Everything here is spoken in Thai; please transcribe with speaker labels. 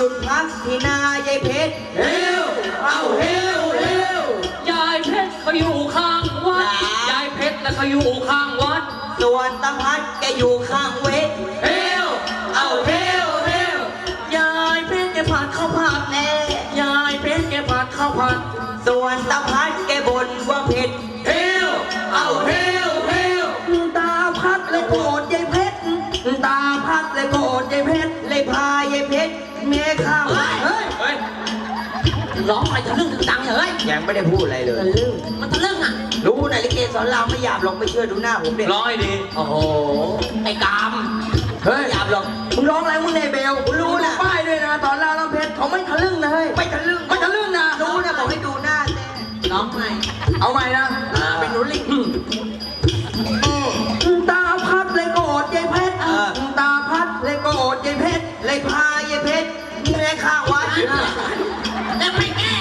Speaker 1: ยุดพักที่นายายเพชร
Speaker 2: เฮวเอาเฮวเฮวยายเพชรเขาอยู่ข้างวัดยายเพชรแล้วเขาอยู่ข้างวัด
Speaker 1: ส่วนตาพัดแกอยู่ข้างเวท
Speaker 2: เฮวเอาเฮวเฮวย
Speaker 1: ายเพชรแกผัดข้าวผัดแน่
Speaker 2: ยายเพชรแกผัดข้าวผัด
Speaker 1: ส่วนตาพัดแกบ่นว่าเผ็ด
Speaker 2: เฮวเอาเฮวเฮว
Speaker 1: ตาพัดเลยโกรธยายเพชรตาพัดเลยโกรธยายเพชรเลยพายายเพชรเมียข้าว
Speaker 2: เฮ้ยร้องไปทะลึ่งถึงดังเฮ้ย
Speaker 1: ยังไม่ได้พูดอะไรเลย
Speaker 2: มันทะลึ่งอ่ะ
Speaker 1: รู้นะลิเกสอนรามไม่หยาบหรอกไม่เชื่อดูหน้าผมเด็ก
Speaker 2: ร้อยดีโอ้โหไอ้กาม
Speaker 1: เฮ้ยหยาบหรอกมึงร้องอะไรมึงในเบลกูรู้นะป้ายด้วยนะตอนรามน้ำเพชรเขาไม่ทะลึ่งนะเฮ้ยไม่ทะลึ่งนะรู้นะบอกให้ดูหน้าแต่
Speaker 2: ร้องใหม่
Speaker 1: เอาใหม่นะเป็นหนูลิงตาพัดเลยโกรธยายเพชรตาพัดเลยโกรธยายเพชรเลยพายายเพชรเมียข้างวัด
Speaker 2: แล้วไม่แก้